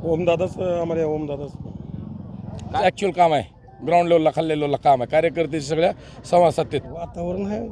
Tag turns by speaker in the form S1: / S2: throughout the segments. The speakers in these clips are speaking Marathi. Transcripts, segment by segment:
S1: ओमदादाच आम्हाला ओमदादाच ॲक्च्युअल काम आहे. ग्राउंड लेवलला खाल्ल्या लेवलला काम आहे. कार्यकर्ते सगळ्या संवाद साधतात. वातावरण आहे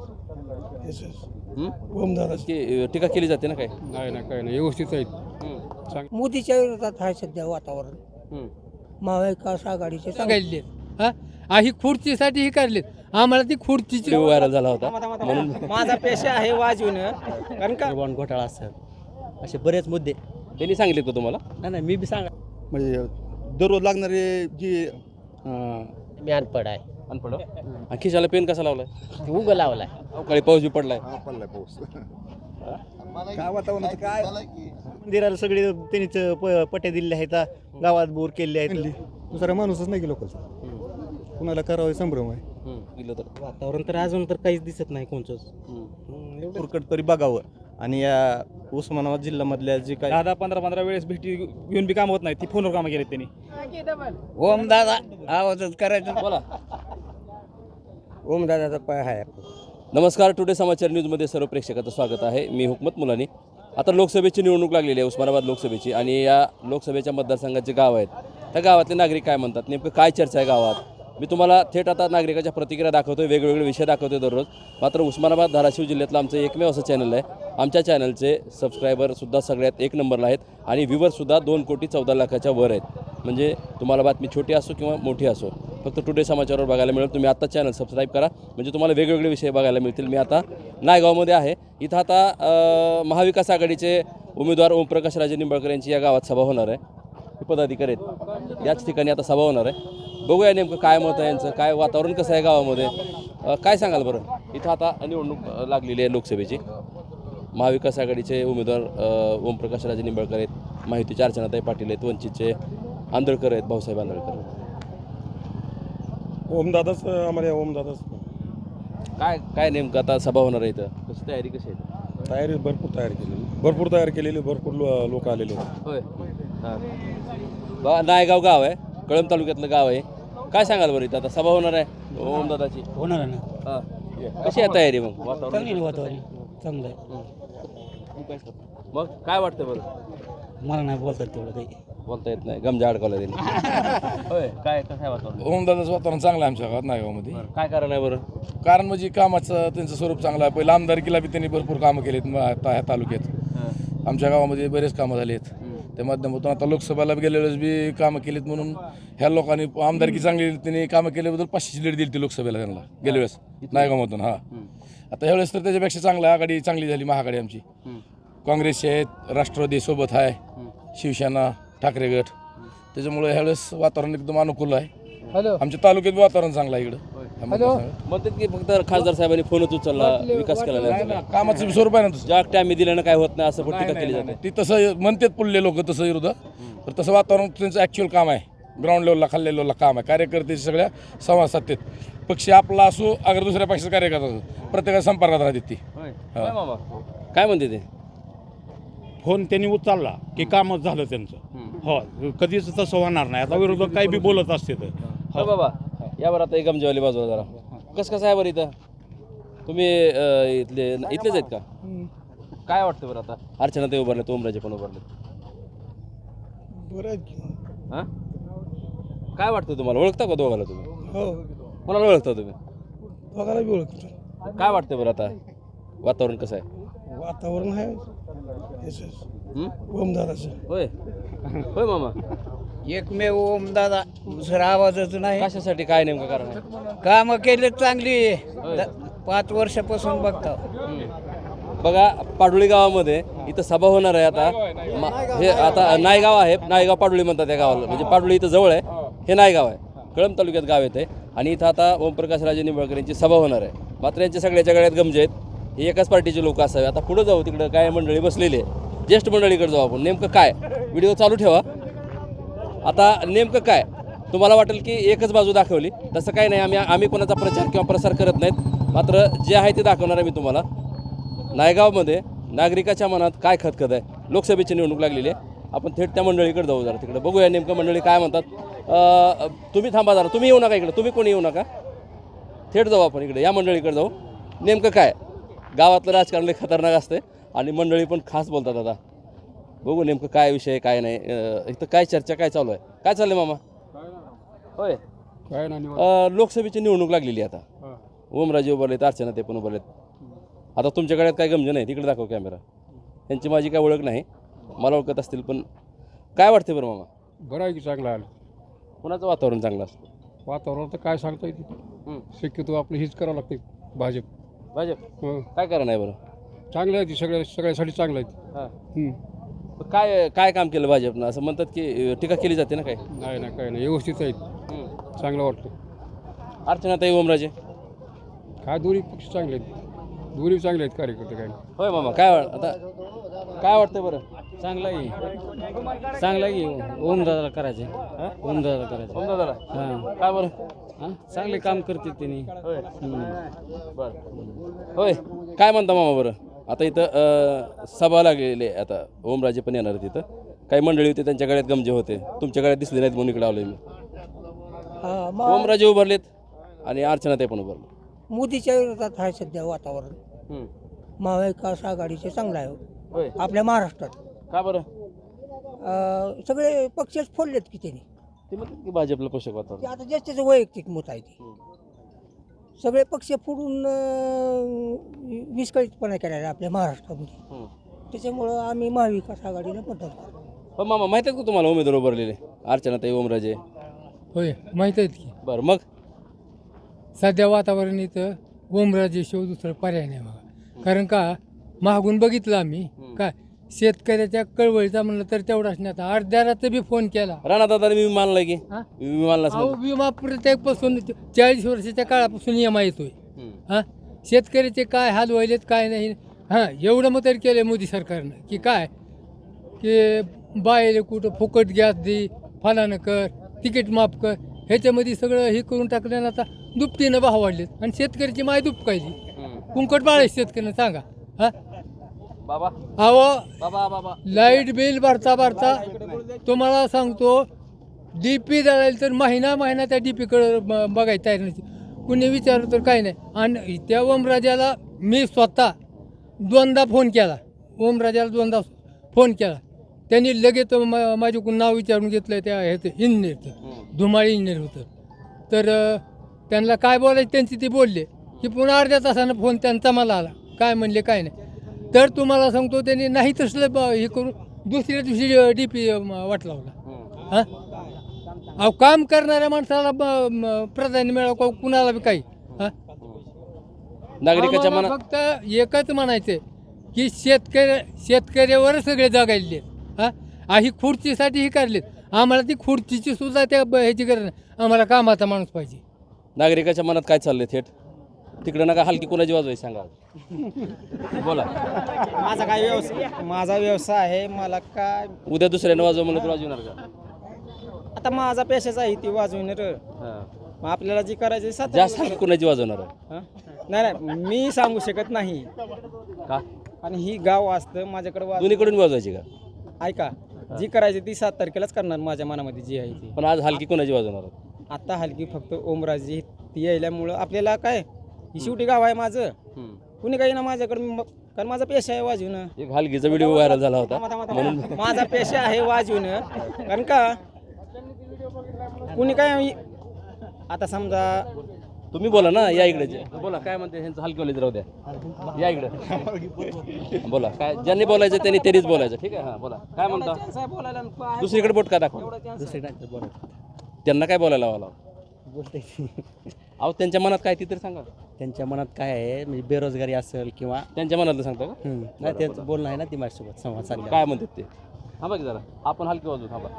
S1: ओमदादा
S2: टीका केली जाते ना काय?
S3: नाही ना काही नाही, व्यवस्थित आहेत.
S4: मोदीच्या विरोधात आहे सध्या वातावरण. महाविकास आघाडीचे
S3: सांगायले ही खुर्चीसाठी ही काढलीत, आम्हाला ती खुर्चीची
S2: व्हायरल झाला होता म्हणून
S4: माझा पेशा आहे वाजवणं. कारण का
S5: बॉन्ड घोटाळा असतात असे बरेच मुद्दे.
S2: त्यांनी सांगितले का तुम्हाला?
S5: नाही मी बी सांगा
S6: म्हणजे दररोज लागणारे जी
S5: मी अनपड आहे.
S2: अनपड आणि खिशाला पेन कसा लावलाय?
S5: उगं लावलाय.
S2: अवकाळी पाऊस बी पडलाय.
S6: पडलाय पाऊस. काय वातावरणाचं काय मंदिराला सगळे त्यांनीच पट्या दिलेल्या आहेत, गावात बोर केलेले आहेत. दुसरा माणूसच नाही की लोकांचा, कुणाला करावं संभ्रम आहे.
S2: दिलं तर
S5: वातावरण तर अजून तर काहीच दिसत नाही कोणचंच.
S6: तुरकट तरी बघावं. आणि या उस्मानाबाद जिल्ह्यामधल्या जे काय
S7: 10-15 वेळेस भेटी घेऊन बी काम होत नाही, ती फोनवर कामं केलेत त्यांनी.
S4: ओमदादा आवाजच करायचं.
S2: बोला.
S4: ओमदादाचा पाय आहे.
S2: नमस्कार. टुडे समाचार न्यूजमध्ये सर्व प्रेक्षकाचं स्वागत आहे. मी हुकमत मुलानी. आता लोकसभेची निवडणूक लागलेली आहे, उस्मानाबाद लोकसभेची. आणि या लोकसभेच्या मतदारसंघाचे गाव आहेत, त्या गावातले नागरिक काय म्हणतात, नेमकं काय चर्चा आहे गावात, मी तुम्हाला थेट आता नागरिकाच्या प्रतिक्रिया दाखवतोय, वेगवेगळे विषय दाखवतोय दररोज. मात्र उस्मानाबाद धाराशिव जिल्ह्यातलं आमचं एकमेव असं चॅनल आहे. आमच्या चॅनलचे सबस्क्रायबरसुद्धा सगळ्यात एक नंबरला आहेत आणि व्ह्यूवरसुद्धा 2,14,00,000च्या वर आहेत. म्हणजे तुम्हाला बातमी छोटी असो किंवा मोठी असो, फक्त टुडे समाचारवर बघायला मिळेल. तुम्ही आता चॅनल सबस्क्राईब करा, म्हणजे तुम्हाला वेगवेगळे विषय बघायला मिळतील. मी आता नायगावमध्ये आहे. इथं आता महाविकास आघाडीचे उमेदवार ओमप्रकाश राजे निंबाळकर यांची या गावात सभा होणार आहे. हे पदाधिकारी आहेत, याच ठिकाणी आता सभा होणार आहे. बघूया नेमकं काय मत आहे यांचं, काय वातावरण कसं आहे गावामध्ये, काय सांगाल बरं. इथं आता निवडणूक लागलेली आहे लोकसभेची. महाविकास आघाडीचे उमेदवार ओमप्रकाश राजे निंबाळकर आहेत, माहितीचे अर्चनाताई पाटील आहेत, वंचितचे आंदळकर आहेत, भाऊसाहेब आंदळकर.
S1: ओमदादाच आम्हाला ओमदादाच
S2: काय काय नेमकं आता सभा होणार आहे इथं, कशी तयारी कशी आहे?
S1: तयारी भरपूर तयार केलेली भरपूर लोक आलेले आहेत.
S2: होय. हां, नायगाव गाव आहे, कळंब तालुक्यातलं गाव आहे. काय सांगाल बरं, इथं आता सभा होणार आहे ओमदादाची?
S5: होणार ना.
S2: हां, कशी आहे तयारी मग?
S5: चांगली वातावरण चांगलं आहे.
S2: मग काय वाटतं बरं?
S5: मला नाही बोलतात तेवढं काही.
S2: बोलता येत नाही, गमजा अडकवला त्यांनी. होय, काय कसं आहे वातावरण?
S1: ओमदादाचं वातावरण चांगलं आहे आमच्या गावात नायगावमध्ये.
S2: काय कारण आहे बरं?
S1: कारण म्हणजे कामाचं त्यांचं स्वरूप चांगलं आहे. पहिलं आमदारकीला बी त्यांनी भरपूर कामं केलीत ह्या तालुक्यात. आमच्या गावामध्ये बरेच कामं झाली आहेत. त्या माध्यमातून आता लोकसभेला गेलेलोच बी कामं केलीत, म्हणून ह्या लोकांनी आमदारकी चांगली त्यांनी कामं केल्याबद्दल 500ची लीड दिली ती लोकसभेला त्यांना गेल्या वेळेस नायगावमधून. हां, आता ह्यावेळेस तर त्याच्यापेक्षा चांगलं आघाडी चांगली झाली महाआघाडी आमची. काँग्रेसचे आहेत, राष्ट्रवादी सोबत आहे, शिवसेना, ठाकरे गट. त्याच्यामुळे ह्यावेळेस वातावरण एकदम अनुकूल आहे. आमच्या तालुक्यात वातावरण चांगलं आहे इकडं.
S2: म्हणतात की फक्त खासदार साहेबांनी फोनच उचलला, विकास केला नाही.
S1: कामाचं स्वरूप आहे ना तसं.
S2: ज्या टाइम दिल्यानं काय होत नाही असं पण टीका केली जाते.
S1: ती तसं म्हणतात पुढले लोक तसं विरोधात, तर तसं वातावरण त्यांचं ॲक्च्युअल काम आहे. ग्राउंड लेवलला खाल्ल्या लेवलला काम आहे. कार्यकर्ते सगळ्या संवाद साधतात. पक्ष आपला असो अगर दुसऱ्या पक्षाचा कार्यकर्ता असो, प्रत्येकाच्या संपर्कात राहतात ती.
S2: काय म्हणते ते?
S8: फोन त्यांनी उचलला की कामच झालं त्यांचं. हो, कधीच तसं होणार नाही. आता विरोधक काही बी बोलत असते तर.
S2: हो बाबा, यावर आता एक गमजेवाली बाजूला जरा. कसं आहे बरं इथं? तुम्ही इथलेच आहेत का? काय वाटतं बरं आता? अर्चना ते उभारले, ओमराजे पण उभारले. हां, काय वाटतं तुम्हाला? ओळखता का दोघाला तुम्ही?
S1: हो,
S2: कोणाला ओळखता तुम्ही?
S1: बघायला बी ओळखतो.
S2: काय वाटतं बरं आता? वातावरण कसं आहे?
S1: वातावरण आहे ओमदादाचं.
S2: होय होय मामा.
S4: एकमेव ओमदादा, दुसरा आवाजच नाही.
S2: कशासाठी, काय नेमकं कारण आहे?
S4: कामं केले चांगली. 5 वर्षापासून बघता.
S2: बघा, पाडोळी गावामध्ये इथं सभा होणार आहे आता. हे आता नायगाव आहे, नायगाव पाडोळी म्हणतात या गावाला. म्हणजे पाडोळी इथं जवळ आहे, हे नायगाव आहे, कळंब तालुक्यात गाव येते. आणि इथं आता ओमप्रकाश राजे निंबाळकर यांची सभा होणार आहे. मात्र यांच्या सगळ्याच्या गळ्यात गमजे आहेत. हे एकाच पार्टीचे लोक असावे. आता पुढं जाऊ, तिकडं काय मंडळी बसलेली आहे, ज्येष्ठ मंडळीकडे जाऊ आपण. नेमकं काय, व्हिडिओ चालू ठेवा. आता नेमकं काय तुम्हाला वाटेल की एकच बाजू दाखवली, तसं काही नाही. आम्ही कोणाचा प्रचार किंवा प्रसार करत नाहीत. मात्र जे आहे ते दाखवणार आहे मी तुम्हाला. नायगावमध्ये नागरिकाच्या मनात काय खतखत आहे. लोकसभेची निवडणूक लागलेली आहे. आपण थेट त्या मंडळीकडे जाऊ, जरा तिकडे बघूया नेमकं मंडळी काय म्हणतात. तुम्ही थांबा जरा, तुम्ही येऊ नका इकडे, तुम्ही कोणी येऊ नका. थेट जाऊ आपण इकडे, या मंडळीकडे जाऊ. नेमकं काय, गावातलं राजकारण लय खतरनाक असते आणि मंडळी पण खास बोलतात. आता बघू नेमकं काय विषय आहे, काय नाही. इथं काय चर्चा काय चालू आहे, काय चाललंय मामा? होय,
S3: काय नाही
S2: लोकसभेची निवडणूक लागलेली आहे आता. ओमराजे उभारलेत, अर्चना ते पण उभारलेत. आता तुमच्या गळ्यात काय गमजे नाही, तिकडे दाखव कॅमेरा. यांची माझी काय ओळख नाही, मला ओळखत असतील, पण काय वाटते बरं मामा?
S3: बरं आहे की चांगलं आलं
S2: कुणाचं वातावरण चांगलं असतं?
S3: वातावरण तर काय सांगता येते, शक्यतो आपलं हीच करावं लागते भाजप.
S2: भाजप
S3: हो
S2: काय कारण आहे बरं?
S3: चांगलं आहे ती सगळ्यासाठी चांगलं आहे
S2: हां, काय काय काम केलं भाजपनं? असं म्हणतात की टीका केली जाते ना. काय
S3: नाही ना काय नाही व्यवस्थित आहेत, चांगलं वाटतं.
S2: अर्चना ताई ओमराजे
S3: काय दोन्ही पक्ष चांगले आहेत, दोन्ही चांगले आहेत कार्यकर्ते काय नाही.
S2: होय मामा, काय आता काय वाटतंय बरं?
S5: चांगला आहे ओमदादाला करायचे ओमदादाला करायचे
S2: ओमदादाला
S5: हां
S2: काय बरं?
S5: हां चांगले काम करते त्यांनी.
S2: बरं होय, काय म्हणता मामा बरं? आता इथं सभा लागलेली आहे, आता ओमराजे पण येणार आहेत. तिथं काही मंडळी होते, त्यांच्या गळ्यात गमजे होते, तुमच्या गळ्यात दिसले नाहीत म्हणून इकडे आलोय मी. ओमराजे उभारलेत आणि अर्चना ते पण उभारले.
S4: मोदीच्या विरोधात आहे सध्या वातावरण. महाविकास आघाडीचे चांगलं आहे
S2: होय,
S4: आपल्या महाराष्ट्रात.
S2: का बरं?
S4: सगळे पक्षच फोडलेत की त्यांनी.
S2: ते म्हणतात की भाजपला पोषक
S4: ते
S2: वातावरण.
S4: आता ज्याचं वैयक्तिक मत आहे ते. सगळे पक्ष फोडून विस्कळीतपणा केलेला आपल्या महाराष्ट्रामध्ये. त्याच्यामुळं आम्ही महाविकास आघाडीला मतदान करतो.
S2: पण मामा माहित आहे का तुम्हाला उमेदवार उभारलेले? अर्चना ताई ओमराजे.
S3: होय माहीत आहेत की.
S2: बरं, मग
S3: सध्या वातावरण इथं ओमराजे शिव दुसरं पर्याय नाही बघा. कारण का मागून बघितलं आम्ही काय शेतकऱ्याच्या कळवळीचा म्हणलं तर तेवढाच नाही. आता अर्ध्या रात्री बी फोन केला.
S2: राणादादाने विमा मानलाय की?
S3: हा?
S2: विमा मानला
S3: अहो विमा प्रत्येकपासून 40 वर्षाच्या काळापासून EMI येतोय. हां, शेतकऱ्याचे काय हाल व्हायलेत काय नाही. हां, एवढं मग तरी केलं मोदी सरकारनं की काय की बायले कुठं फुकट गॅस दे, फलानं कर, तिकीट माफ कर, ह्याच्यामध्ये सगळं हे करून टाकल्यानं आता दुपटीनं भाव वाढलेत आणि शेतकऱ्याची माय दुपकायली. कुंकट बाळायचं शेतकऱ्यांना सांगा. हां
S2: बाबा
S3: अहो
S2: बाबा
S3: लाईट बिल भरता तुम्हाला सांगतो DP जळायला तर महिना त्या DPकडे बघायचं तयार नाही. कुणी विचारलं तर काही नाही. आणि त्या ओमराजाला मी स्वतः 2दा फोन केला. ओमराजाला 2दा फोन केला. त्यांनी लगेच माझ्याकडून नाव विचारून घेतलं त्या ह्याचं इंजिनियरचं, धुमाळी इंजिनियर होतं. तर त्यांना काय बोलायचं त्यांची ते बोलले की पुन्हा अर्ध्या तासानं फोन त्यांचा मला आला. काय म्हणले काय नाही. तर तुम्हाला सांगतो त्यांनी नाही तसलं हे करून दुसऱ्या दिवशी DP वाट लावला. हां, अहो काम करणाऱ्या माणसाला प्राधान्य मिळावं कुणाला बी काही. हां,
S2: नागरिकाच्या
S3: आम्हाला
S2: मनात
S3: फक्त एकच म्हणायचं की शेतकऱ्यावर सगळे जगायले. हां, ही खुर्चीसाठी ही काढलीत. आम्हाला ती खुर्चीची सुद्धा त्या ह्याची गरज नाही. आम्हाला कामाचा माणूस पाहिजे.
S2: नागरिकाच्या मनात काय चाललंय थेट तिकडे नका हलकी कोणाची वाजवायची सांगा. बोला.
S5: माझा व्यवसाय आहे. मला काय
S2: उद्या दुसऱ्यानं वाजव म्हणलं तर वाजवणार का?
S5: आता माझा पेशाच आहे ती वाजविणार.
S2: हां.
S5: मग आपल्याला जी करायची
S2: जास्त हलकी कोणाची वाजवणार आहे?
S5: नाही मी सांगू शकत नाही.
S2: का?
S5: आणि ही गाव असतं माझ्याकडे
S2: दोन्हीकडून वाजवायची का?
S5: ऐका, जी करायची ती 7 तारखेलाच करणार माझ्या मनामध्ये जी आहे ती.
S2: पण आज हलकी कोणाची वाजवणार आहे?
S5: आता हलकी फक्त ओमराजे ती यायल्यामुळं आपल्याला काय ही शेवटी गाव आहे माझं. कुणी काही ना माझ्याकडे कारण माझा पेशा आहे वाजवणं.
S2: एक हलकीचा व्हिडिओ व्हायरल झाला होता.
S5: माझा पेशा आहे वाजवणं. कारण का कुणी काय आता समजा
S2: तुम्ही बोला ना, या इकडे बोला. काय म्हणते ह्यांचं हलकीवालीच राहू द्या, या इकडे बोला. काय ज्यांनी बोलायचं त्यांनी तेरीच बोलायचं. ठीक आहे. हां, बोला. काय म्हणता? दुसरीकडे बोट का दाखवा? त्यांना काय बोलायला लावाला?
S5: बोलते
S2: अहो त्यांच्या मनात काय ती तर सांगा.
S5: त्यांच्या मनात काय आहे म्हणजे बेरोजगारी असेल किंवा
S2: त्यांच्या मनातलं सांगता का?
S5: नाही त्यांचं बोलणं आहे ना ती माझ्यासोबत संवाद साधला.
S2: काय म्हणतात ते? थांबा की जरा, आपण हलकी वाजू. थांबा.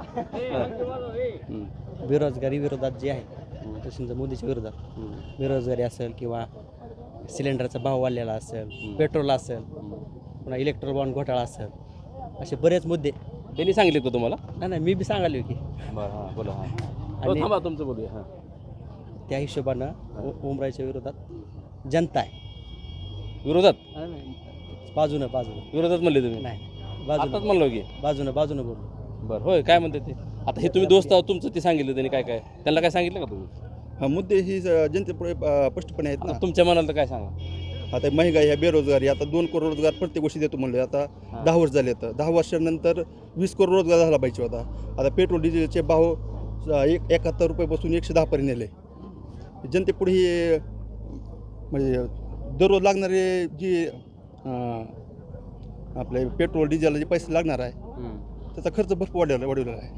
S5: बेरोजगारी विरोधात जे आहे तसं मोदीच्या विरोधात बेरोजगारी असेल किंवा सिलेंडरचा भाव वाढलेला असेल, पेट्रोल असेल, पुन्हा इलेक्ट्रॉल बॉन्ड घोटाळा असेल, असे बरेच मुद्दे
S2: त्यांनी सांगितले का तुम्हाला?
S5: नाही मी बी सांगालो की.
S2: बरं, हां बोला. हां,
S5: आणि
S2: थांबा तुमचं बोलूया. हां,
S5: त्या हिशोबानं ओमराजेच्या विरोधात जनता आहे.
S2: विरोधात
S5: बाजूनं
S2: विरोधात म्हणले तुम्ही?
S5: नाही
S2: आताच म्हणलो की
S5: बाजूनं बोललो.
S2: बरं, होय. काय म्हणते ते आता? हे तुम्ही दोस्त आहोत तुमचं, ते सांगितलं त्यांनी काय त्यांना काय सांगितलं का तुम्ही?
S6: हा मुद्दे ही जनतेपुढे स्पष्टपणे आहेत ना.
S2: तुमच्या मनाला तर काय सांगा.
S6: आता महागाई ह्या बेरोजगारी आता 2 करोड रोजगार प्रत्येक गोष्टी देतो म्हणलं आता 10 वर्ष झाले तर 10 वर्षानंतर 20 करोड रोजगार झाला पाहिजे होता. आता पेट्रोल डिझेलचे भाव 71 रुपयापासून 110 पर्यंत नेले. जनतेपुढे हे म्हणजे दररोज लागणारे जी आपले पेट्रोल डिझेलला जे पैसे लागणार आहे त्याचा खर्च भरपूर वाढवलेला आहे.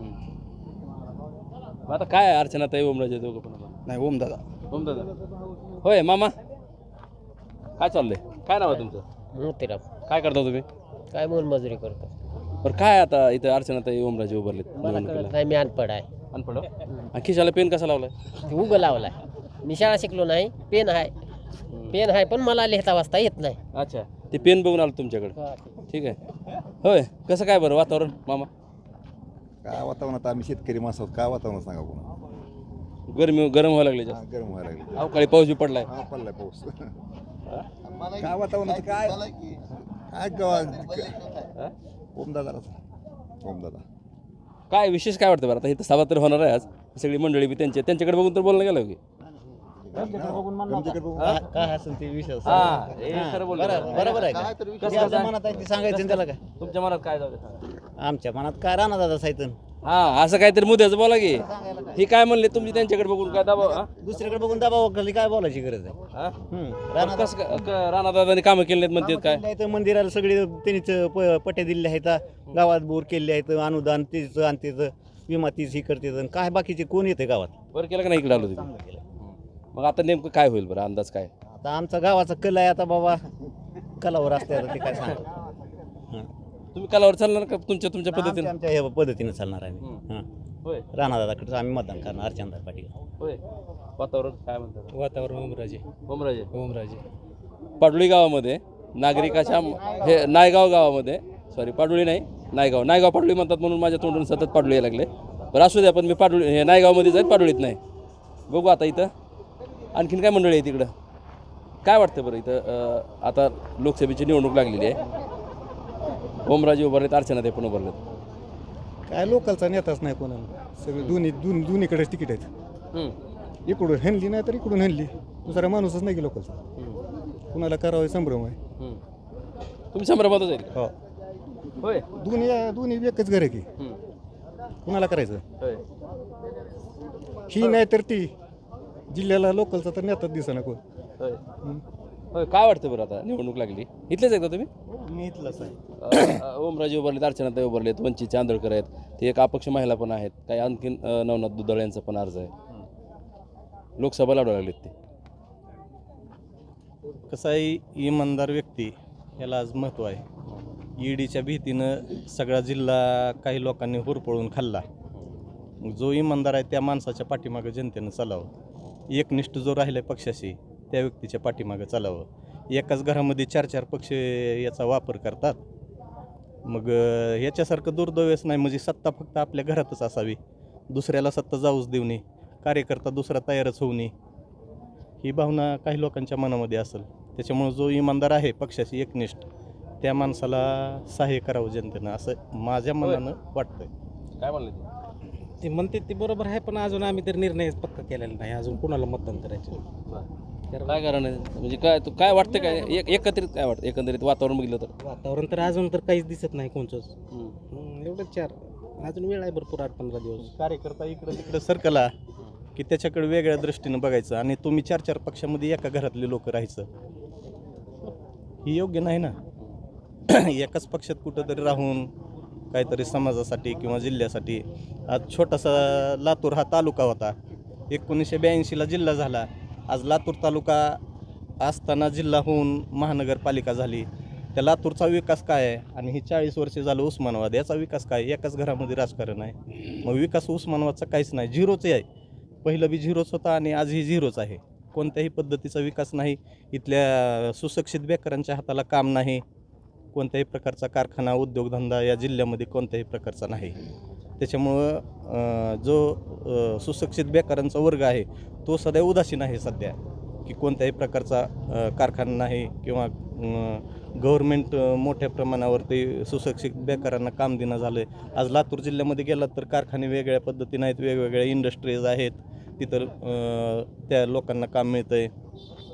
S2: आता काय आहे अर्चनाताई ओमराजे दोघं पण आता?
S6: नाही ओमदादा
S2: होय मामा काय चाललंय? काय नाव आहे तुमचं?
S9: मोतीराम.
S2: काय करता तुम्ही?
S9: काय मोलमजुरी करतो.
S2: बरं काय आता इथं अर्चनाताई ओमराजे उभारलेत
S9: मला
S2: निवडणुकीला?
S9: कळत नाही, मी अनपड आहे.
S2: अनपड आणि खिशाला पेन कसा लावलाय?
S9: ते उगं लावलाय. मी शाळा शिकलो नाही, पेन आहे. पेन आहे पण मला लिहिता वाचता येत नाही.
S2: अच्छा ते पेन बघून आलो तुमच्याकडे. ठीक आहे. होय कसं काय बरं वातावरण मामा?
S10: काय वातावरणात आम्ही शेतकरी माणसं आहोत. काय वातावरण सांगा पुन्हा
S2: गरम व्हायला लागले जास्त.
S10: गरम व्हायला लागले.
S2: अवकाळी पाऊस बी पडलाय.
S10: हा पडलाय पाऊस. काय वातावरणाचं काय ओमदादा
S2: काय विशेष काय वाटतं बरं आता इथं सभा तर होणार आहे आज सगळी मंडळी बी त्यांच्याकडे बघून तर बोलणं गेलं की
S6: काय असेल ते विषय
S2: बरोबर आहे
S6: मनात आहे ते सांगायचं त्याला काय.
S2: तुमच्या मनात काय जाऊ दे सांगा.
S6: आमच्या मनात काय राहणार दादा साहित्य
S2: हा असं काहीतरी मुद्द्याचं बोला की ही काय म्हणले तुम्ही त्यांच्याकडे बघून काय दबाव हा?
S6: दुसरीकडे बघून दबाव खाली काय बोलायची गरज आहे.
S2: हा? पण कसं राणा दादांनी कामं केली नाहीत म्हणतात काय?
S6: इथं मंदिराला सगळे त्यांनीच पट्या दिलेल्या आहेत, गावात बोर केले आहेत, अनुदान तिचं आणि तिचं विमा तीच ही करते. काय बाकीचे कोण येते गावात?
S2: बरं केलं का नाही इकडे आलो तुम्ही? मग आता नेमकं काय होईल बरं अंदाज काय?
S6: आता आमचा गावाचा कल आहे आता बाबा कलावर असते आता ते काय सांग.
S2: तुम्ही कलावर चालणार का तुमच्या पद्धतीने?
S6: आमच्या ह्या पद्धतीने चालणार आहे. हां
S2: होय
S6: राणादादाकडे आम्ही मतदान करणार अर्चनाताई पाटील.
S2: होय वातावरण काय म्हणतात?
S3: वातावरण ओमराजे
S2: पाडोळी गावामध्ये नागरिकाच्या हे नायगाव गावामध्ये पाडोळी नाही नायगाव पाडोळी म्हणतात म्हणून माझ्या तोंडून सतत पाडोळी यायला लागले. बरं असू द्या पण मी पाडोळी हे नायगावमध्ये जाईल पाडोळीत नाही. बघू आता इथं आणखीन काय मंडळी आहे तिकडं काय वाटतं बरं इथं आता लोकसभेची निवडणूक लागलेली आहे. ओमराजे उभारलेत अर्चनाताई पण उभारलेत.
S6: काय लोकलचा नेताच नाही कोणाला. सगळे दोन्हीकडेच तिकीट आहेत. इकडून हणली नाही तर इकडून हणली. दुसरा माणूसच नाही की लोकलचा. कुणाला करावं संभ्रम आहे.
S2: तुम्ही संभ्रमातच आहे?
S6: हो
S2: होय
S6: दोन्ही एकच घर आहे की कुणाला करायचं.
S2: होय
S6: ही नाही तर ती जिल्ह्याला लोकलचा तर नेताच दिसेना कोण.
S2: होय होय काय वाटतं बरं आता निवडणूक लागली इथलेच आहे का तुम्ही?
S6: मी इथलंच आहे.
S2: ओमराजे उभारलेत अर्चनाताई उभारलेत वंचितचे आंदोळकर आहेत ते एक अपक्ष महिला पण आहेत काही आणखीन नवनाथ दुधाळे यांचा पण अर्ज आहे. लोकसभा लढवा लागलीत ते.
S11: कसं आहे इमानदार व्यक्ती याला आज महत्त्व आहे. ईडीच्या भीतीनं सगळा जिल्हा काही लोकांनी हुरपळून खाल्ला. जो इमानदार आहे त्या माणसाच्या पाठीमागं जनतेनं चालावं. एकनिष्ठ जो राहिला आहे पक्षाशी त्या व्यक्तीच्या पाठीमागं चालावं. एकाच घरामध्ये 4 पक्ष याचा वापर करतात. मग याच्यासारखं दुर्दैवच नाही. म्हणजे सत्ता फक्त आपल्या घरातच असावी, दुसऱ्याला सत्ता जाऊच देऊ नये, कार्यकर्ता दुसरा तयारच होऊ नये ही भावना काही लोकांच्या मनामध्ये असेल. त्याच्यामुळं जो इमानदार आहे पक्षाशी एकनिष्ठ त्या माणसाला सहाय्य करावं जनतेनं असं माझ्या मनानं वाटतंय.
S2: काय म्हणले
S7: ते म्हणते ते बरोबर आहे पण अजून आम्ही तर निर्णय पक्का केलेला नाही अजून कोणाला मतदान करायचं.
S2: काय कारण आहे म्हणजे काय तू काय वाटतं काय एकत्रित काय वाटतं एकंदरीत वातावरण बघितलं तर?
S7: वातावरण तर अजून तर काहीच दिसत नाही कोणचंच. एवढंच 4 अजून वेळ आहे भरपूर 8-15 दिवस.
S11: कार्यकर्ता इकडं तिकडं सरकला की त्याच्याकडे वेगळ्या दृष्टीनं बघायचं आणि तुम्ही 4 पक्षामध्ये एका घरातले लोक राहायचं ही योग्य नाही ना. एकाच पक्षात कुठंतरी राहून काहीतरी समाजासाठी किंवा जिल्ह्यासाठी. आज छोटासा लातूर हा तालुका होता, 1982ला जिल्हा झाला. आज लातूर तालुका असताना जिल्हा होऊन महानगरपालिका झाली. त्या लातूरचा विकास काय आहे आणि ही 40 वर्षे झालं उस्मानाबाद याचा विकास काय? एकाच घरामध्ये राजकारण आहे. मग विकास उस्मानाबादचा काहीच नाही, झिरोच आहे. पहिलं बी झिरोच होता आणि आजही झिरोच आहे. कोणत्याही पद्धतीचा विकास नाही. इथल्या सुशिक्षित बेकारांच्या हाताला काम नाही. कोणत्याही प्रकारचा कारखाना उद्योगधंदा या जिल्ह्यामध्ये कोणत्याही प्रकारचा नाही. त्याच्यामुळं जो सुशिक्षित बेकारांचा वर्ग आहे तो सदैव उदासीन आहे सध्या की कोणत्याही प्रकारचा कारखाना नाही किंवा गव्हर्मेंट मोठ्या प्रमाणावरती सुशिक्षित बेकारांना काम देणं झालं आहे. आज लातूर जिल्ह्यामध्ये गेलात तर कारखाने वेगळ्या पद्धतीने आहेत, वेगवेगळ्या इंडस्ट्रीज आहेत, तिथं त्या लोकांना काम मिळतं आहे.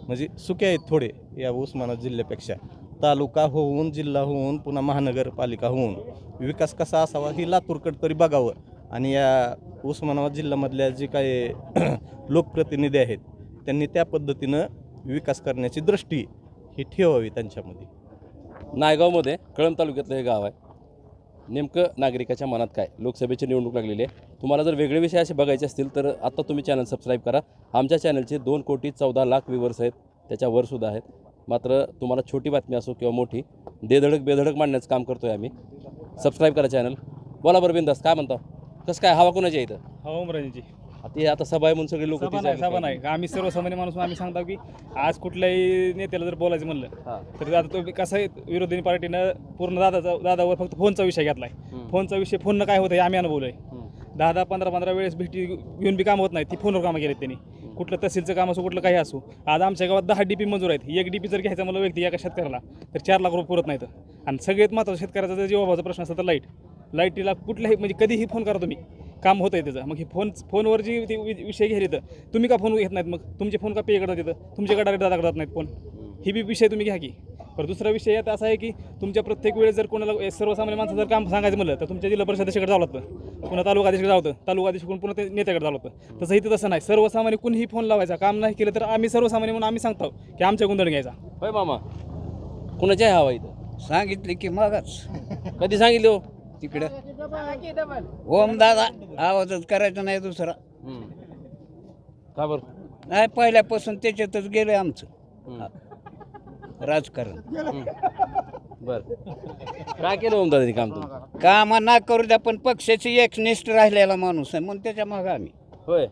S11: म्हणजे सुके आहेत थोडे या उस्मानाबाद जिल्ह्यापेक्षा. तालुका होऊन, जिल्हा होऊन, पुन्हा महानगरपालिका होऊन विकास कसा असावा ही लातूरकडे तरी बघावं. आणि या उस्मानाबाद जिल्ह्यामधल्या जे काही लोकप्रतिनिधी आहेत त्यांनी त्या पद्धतीनं विकास करण्याची दृष्टी ही ठेवावी त्यांच्यामध्ये.
S2: नायगावमध्ये कळंब तालुक्यातलं हे गाव आहे. नेमकं नागरिकाच्या मनात काय, लोकसभेची निवडणूक लागलेली आहे. तुम्हाला जर वेगळे विषय असे बघायचे असतील तर आत्ता तुम्ही चॅनल सबस्क्राईब करा. आमच्या चॅनलचे 2,14,00,000 व्ह्यूवर्स आहेत, त्याच्यावरसुद्धा आहेत. मात्र तुम्हाला छोटी बातमी असो किंवा मोठी, बेधडक मांडण्याचं काम करतो आहे आम्ही. सबस्क्राईब करा चॅनल. बोला बरं बिंदास, काय म्हणता, कसं काय हवा कोणाची आहे इथं?
S12: हवा उमराजीची.
S2: आता सभा आहे म्हणून सगळे लोक
S12: सभा नाही, आम्ही सर्वसामान्य माणूस आम्ही सांगतो की आज कुठल्याही नेत्याला जर बोलायचं म्हणलं तर आता तो कसं आहे, विरोधी पार्टीनं पूर्ण दादावर फक्त फोनचा विषय घेतलाय. फोनचा विषय, फोननं काय होतं हे आम्ही अनुभवलंय. 10-15 वेळेस भेटी घेऊन बी कामं होत नाही, ती फोनवर कामं केलेत त्यांनी. कुठलं तहसीलचं काम असो, कुठलं काही असो. आज आमच्या गावात 10 DP मंजूर आहेत. एक DP जर घ्यायचा मला व्यक्ती एका शेतकऱ्याला तर 4 लाख रुपये पुरत नाहीत. आणि सगळ्यात महत्त्वाचा शेतकऱ्याचा जर जीवाभावाचा प्रश्न असतो तर लाईटीला कुठल्याही म्हणजे कधीही फोन करा तुम्ही, काम होतं आहे त्याचं. मग हे फोनवर जी ते विषय घ्यायला येतं, तुम्ही का फोन घेत नाहीत? मग तुमचे फोन का पे करतात येतं, तुमच्याकडे डायरेक्ट दादा करतात नाहीत फोन. ही बी विषय तुम्ही घ्या की. पण दुसरा विषय यात असा आहे की तुमच्या प्रत्येक वेळेस जर कोणाला सर्वसामान्य माणसं जर काम सांगायचं म्हणलं तर तुमच्या जिल्हा परिषदेकडे जावं लागतं, पुन्हा तालुका अधीक्षकडे जावं होतं, तालुका अधीक्षकडून पुन्हा ते नेत्याकडे जावं लागतं. तसं इथं तसं नाही. सर्वसामान्य कुणीही फोन लावायचा, काम नाही केलं तर आम्ही सर्वसामान्य म्हणून आम्ही सांगतो की आमच्या गुंदण घ्यायचा.
S2: होय मामा, कुणाची आहे हवा इथं?
S13: सांगितले की मगच
S2: कधी सांगितले हो?
S13: तिकडं ओम दादा, आवाजच करायचा नाही दुसरा.
S2: का बरं?
S13: नाही, पहिल्यापासून त्याच्यातच गेलं आमचं राजकारण.
S2: बर, काय केलं ओमदादानी काम तुम्ही?
S13: काम ना करू द्या, पण पक्षाची एकनिष्ठ राहिलेला माणूस आहे म्हणून त्याच्या मागं आम्ही.
S2: होय,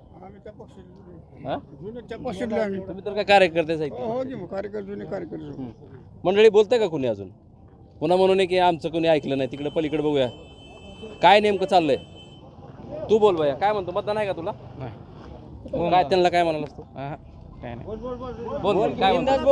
S2: तुम्ही तर काय कार्यकर्तेच आहेत. मंडळी बोलताय का कुणी अजून? पुन्हा म्हणून की आमचं कोणी ऐकलं नाही, तिकडे पलीकडे बघूया काय नेमकं चाललंय. तू बोल बाया, काय म्हणतो, मतदान आहे का तुला? काय त्यांना काय म्हणाल असतो? बोल काय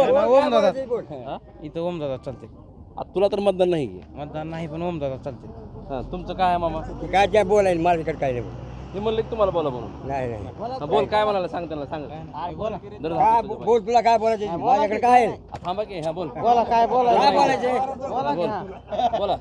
S7: इथं ओमदादा चालते.
S2: तुला तर मतदान नाही की?
S7: मतदान नाही, पण ओमदादा चालते.
S2: तुमचं काय आहे मामा?
S13: काय बोलायला माझ्याकडे काय नाही.
S2: मी म्हणलं की तुम्हाला बोला म्हणून.
S13: नाही नाही,
S2: बोल, काय म्हणाला सांग त्यांना, सांग.
S13: बोल, तुला काय बोलायचं माझ्याकडे काय आहे?
S2: थांबा की, हा बोल.
S13: बोला, काय बोलायचं?
S2: बोला.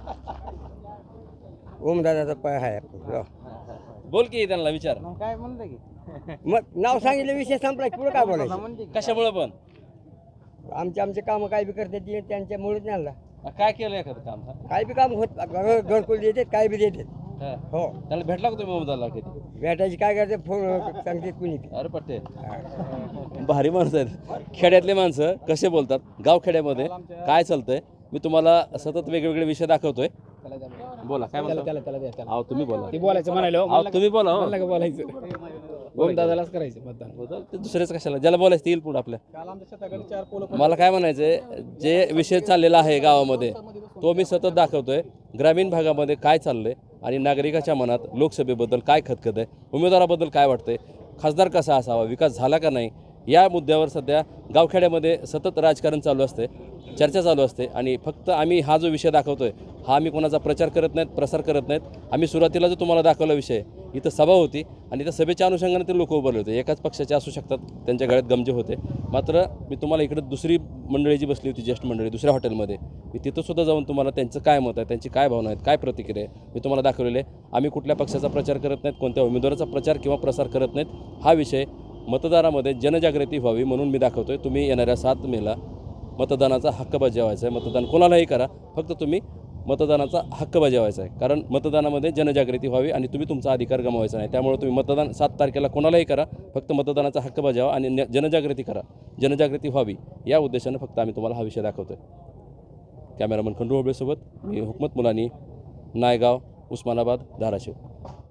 S13: ओम दादाचा पाय आहे.
S2: बोल की, त्यांना विचार.
S7: काय म्हणलं की
S13: मग नाव सांगितलं, विषय संपला. पुढे काय बोलायचं?
S2: कशामुळे पण?
S13: आमचे कामं काय बी करतात त्यांच्यामुळेच नाही.
S2: काय केलं एखादं काम?
S13: काय बी काम होत, घरकुल देतात, काय बी देतात. हो,
S2: त्याला भेटला का तुम्ही ओमदादाला कधी?
S13: भेटायची काय करते, फोन सांगते कुणी.
S2: अरे पट्टे, भारी माणसं आहेत. खेड्यातले माणसं कसे बोलतात, गाव खेड्यामध्ये काय चालतंय, मी तुम्हाला सतत वेगवेगळे विषय दाखवतोय. बोला, काय म्हणता? अहो तुम्ही बोला.
S7: ते बोलायचं म्हणायला
S2: तुम्ही बोला.
S7: बोलायचं ओमदादालाच करायचं मतदान.
S2: ते दुसरेच कशाला, ज्याला बोलायचं येईल पुढे आपल्या. मला काय म्हणायचंय, जे विषय चाललेला आहे गावामध्ये तो मी सतत दाखवतोय. ग्रामीण भागामध्ये काय चाललंय आणि नागरिकाच्या मनात लोकसभेबद्दल काय खतखत आहे, उमेदवाराबद्दल काय वाटतंय, खासदार कसा असावा, विकास झाला का नाही, या मुद्द्यावर सध्या गावखेड्यामध्ये सतत राजकारण चालू असते, चर्चा चालू असते. आणि फक्त आम्ही हा जो विषय दाखवतोय हा आम्ही कोणाचा प्रचार करत नाहीत, प्रसार करत नाहीत. आम्ही सुरुवातीला जो तुम्हाला दाखवला विषय, इथं सभा होती आणि त्या सभेच्या अनुषंगाने ते लोक उभारले होते. एकाच पक्षाचे असू शकतात, त्यांच्या गळ्यात गमजे होते. मात्र मी तुम्हाला इकडे दुसरी मंडळी जी बसली होती, ज्येष्ठ मंडळी दुसऱ्या हॉटेलमध्ये, मी तिथंसुद्धा जाऊन तुम्हाला त्यांचं काय मत आहे, त्यांची काय भावना आहेत, काय प्रतिक्रिया आहे, मी तुम्हाला दाखवलेले आहे. आम्ही कुठल्या पक्षाचा प्रचार करत नाहीत, कोणत्या उमेदवाराचा प्रचार किंवा प्रसार करत नाहीत. हा विषय मतदारामध्ये जनजागृती व्हावी म्हणून मी दाखवतोय. तुम्ही येणाऱ्या 7 मेला मतदानाचा हक्क बजावायचा आहे. मतदान कोणालाही करा, फक्त तुम्ही मतदानाचा हक्क बजावायचा आहे. कारण मतदानामध्ये जनजागृती व्हावी आणि तुम्ही तुमचा अधिकार गमावायचा नाही. त्यामुळे तुम्ही मतदान 7 तारखेला कोणालाही करा, फक्त मतदानाचा हक्क बजावा आणि जनजागृती करा, जनजागृती व्हावी या उद्देशानं फक्त आम्ही तुम्हाला हा विषय दाखवतोय. कॅमेरामन खंडू होबळेसोबत मी हुकमत मुलानी, नायगाव, उस्मानाबाद, धाराशिव.